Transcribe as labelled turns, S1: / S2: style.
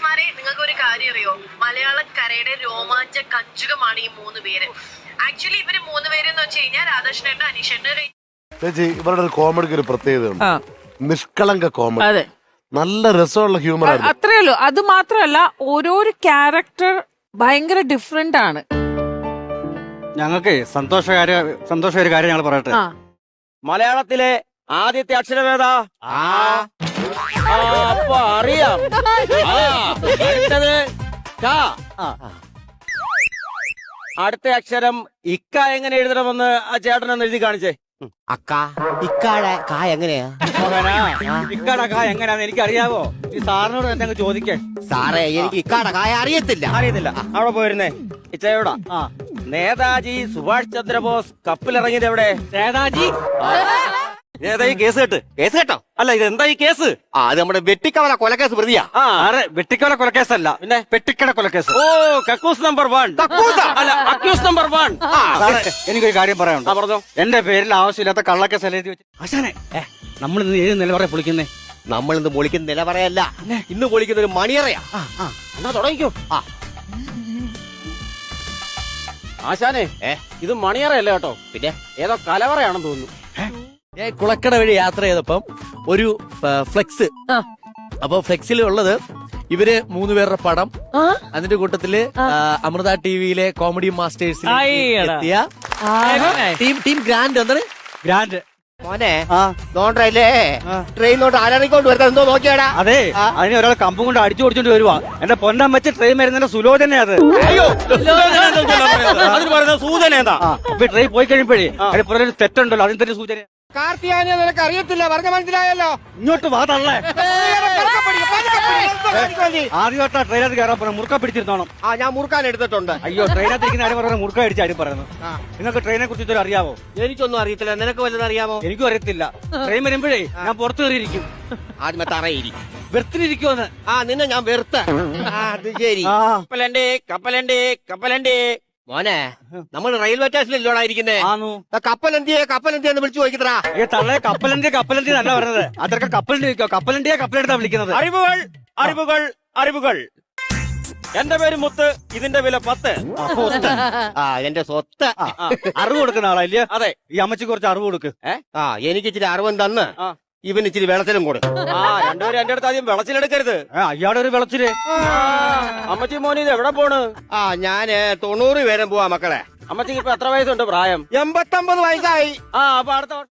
S1: ചേട്ടന്മാരെ നിങ്ങൾക്ക് ഒരു കാര്യം അറിയോ? മലയാളക്കരയുടെ രോമാഞ്ച കഞ്ചുകമാണ് ഈ 3 പേര്. ആക്ച്വലി ഇവര് 3 പേരെന്ന് വെച്ച് കഴിഞ്ഞാൽ രാധാകൃഷ്ണേട്ടൻ, അനീഷേട്ടൻ.
S2: ചേച്ചി ഇവരുടെ ഒരു കോമഡിക്ക് ഒരു പ്രത്യേകതയുണ്ട്. നിഷ്കളങ്ക കോമഡി,
S3: അതെ,
S2: നല്ല രസമുള്ള ഹ്യൂമർ.
S3: അത്രേ ഉള്ളൂ. അത് മാത്രമല്ല ഓരോരോ ക്യാരക്ടർ ഭയങ്കര ഡിഫറെന്റ് ആണ്.
S4: ഞങ്ങൾക്ക് സന്തോഷകര കാര്യം ഞങ്ങൾ പറയട്ടെ.
S5: മലയാളത്തിലെ ആദ്യത്തെ അക്ഷരമേതാ? അപ്പൊ അറിയാം. അടുത്തത് ക. അടുത്ത അക്ഷരം ഇക്ക എങ്ങനെ എഴുതണമെന്ന് ആ ചേട്ടനൊന്ന് എഴുതി കാണിച്ചേ.
S6: അക്ക ഇക്കാടെ കാ എങ്ങനെയാ?
S4: ഇക്കാടെ കാ എങ്ങനെയാന്ന് എനിക്ക് അറിയാവോ? ഈ സാറിനോട് എന്തെങ്കിലും ചോദിക്കേ.
S6: സാറേ എനിക്ക് ഇക്കാടെ കായ അറിയത്തില്ല.
S5: അവിടെ പോയിരുന്നേ ഇച്ചയോടാ. നേതാജി സുഭാഷ് ചന്ദ്രബോസ് കപ്പിലിറങ്ങിയത് എവിടെ?
S4: നേതാജി
S5: നേതാജി കേസ് കേട്ടോ? അല്ല, ഇത് എന്താ ഈ കേസ്?
S6: അത് നമ്മുടെ വെട്ടിക്കവല കൊലക്കേസ് പ്രതിയാ.
S4: വെട്ടിക്കവല കൊലക്കേസല്ല, പിന്നെ പെട്ടിക്കട കൊലക്കേസ്.
S5: ഓ, കക്കൂസ് നമ്പർ 1. അല്ല, അക്യൂസ് നമ്പർ 1.
S4: എനിക്കൊരു കാര്യം പറയാനുണ്ട്.
S5: പറഞ്ഞോ.
S4: എന്റെ പേരിൽ ആവശ്യമില്ലാത്ത കള്ളക്കേസ് എഴുതി വെച്ച് ആശാനെ, നമ്മൾ ഇന്ന് ഏത് നിലവറ പൊളിക്കുന്നേ?
S6: നമ്മൾ ഇന്ന് പൊളിക്കുന്ന നിലവറയല്ല, ഇന്ന് പൊളിക്കുന്ന ഒരു മണിയറയാ.
S5: എന്നാ തുടങ്ങിക്കോ. ആശാനെ, ഇത് മണിയറയല്ല കേട്ടോ,
S6: പിന്നെ
S5: ഏതോ കലവറയാണെന്ന് തോന്നുന്നു.
S7: ഞാൻ കുളക്കട വഴി യാത്ര ചെയ്തപ്പം ഒരു ഫ്ലെക്സ്, അപ്പൊ ഫ്ലെക്സിൽ ഉള്ളത് ഇവര് 3 പേരുടെ പടം. അതിന്റെ കൂട്ടത്തില് അമൃത ടിവിയിലെ കോമഡി മാസ്റ്റേഴ്സിൽ എത്തിയ ടീം ഗ്രാൻഡ്. എന്താണ്
S4: ഗ്രാൻഡ്?
S6: മോനെ നോണ്ടല്ലേ ട്രെയിനോട്ട് ആരാണിക്കൊണ്ട് വരുന്നത് എന്തോ നോക്കിയാടാ.
S4: അതെ, അതിന് ഒരാൾ കമ്പും കൊണ്ട് അടിച്ചു ഓടിച്ചോണ്ട് വരുവാ. എന്റെ പൊന്നം വെച്ച് ട്രെയിൻ വരുന്നതിന്റെ സുലോചന അത്.
S5: അതിന് പറയുന്നത് സൂചന എന്താ?
S4: അപ്പൊ ട്രെയിൻ പോയി കഴിയുമ്പോഴേ അതിന് പുറകെ ഒരു തെറ്റുണ്ടല്ലോ, അതിന് തന്നെ സൂചന.
S6: കാർത്തിയാനെ നിനക്ക് അറിയത്തില്ല, പറഞ്ഞ മനസ്സിലായല്ലോ.
S4: ഇങ്ങോട്ട് വാ തള്ളേ. ആദ്യമായിട്ടാ ട്രെയിനകത്ത് കയറാൻ പറഞ്ഞ മുറുക്ക പിടിച്ചിരുന്നോണം.
S6: ഞാൻ മുറുക്കാൻ എടുത്തിട്ടുണ്ട്.
S4: അയ്യോ, ട്രെയിനകത്ത് ഇരിക്കുന്ന ആരും പറയുന്നത് മുറുക്ക അടിച്ച് ആരും പറയുന്നത്. നിങ്ങൾക്ക് ട്രെയിനെ കുറിച്ച് ഇതൊരു അറിയാവോ?
S6: എനിക്കൊന്നും അറിയത്തില്ല, നിനക്ക് വല്ലതും അറിയാമോ?
S4: എനിക്കും അറിയത്തില്ല. ട്രെയിൻ വരുമ്പോഴേ ഞാൻ പുറത്തു കയറിയിരിക്കും.
S6: ആദ്യമേ തറയിരിക്കും,
S4: വെറുത്തിരിക്കുമെന്ന്.
S6: നിന്നെ ഞാൻ വെറുത്ത. അത് ശരി.
S5: കപ്പലണ്ടി.
S6: മോനെ, നമ്മൾ റെയിൽവേ സ്റ്റേഷനിലോടാ ഇരിക്കുന്നേ. കപ്പലന്തിയെന്ന് വിളിച്ചു ചോദിക്കട്ടാ.
S4: ഈ തള്ളയെ കപ്പലണ്ടി നല്ല പറഞ്ഞത്. അതൊക്കെ കപ്പലണ്ടി വെക്കോ? കപ്പലണ്ടിയാ വിളിക്കുന്നത്.
S5: അറിവുകൾ. എന്റെ പേര് മുത്ത്, ഇതിന്റെ വില 10.
S6: എന്റെ സ്വത്ത്.
S4: അറിവ് കൊടുക്കുന്ന ആളാ ഇല്ലേ?
S5: അതെ.
S4: ഈ അമ്മച്ചിക്ക് കുറച്ച് അറിവ് കൊടുക്ക്.
S6: എനിക്ക് ഇച്ചിരി അറിവും തന്ന് ഇവന് ഇച്ചിരി വെള്ളത്തിലും കൊടുക്കും.
S5: രണ്ടുപേരും എന്റെ അടുത്ത് ആദ്യം വെളച്ചിലെടുക്കരുത്.
S4: അയാളുടെ ഒരു വെളച്ചില്.
S5: അമ്മച്ചി മോനി ഇത് എവിടെ പോണ്?
S6: ഞാന് 90 പേരും പോവാ മക്കളെ.
S5: അമ്മച്ചിക്ക് ഇപ്പൊ എത്ര വയസ്സുണ്ട്? പ്രായം
S6: 89 വയസ്സായി.
S5: അപ്പൊ അടുത്ത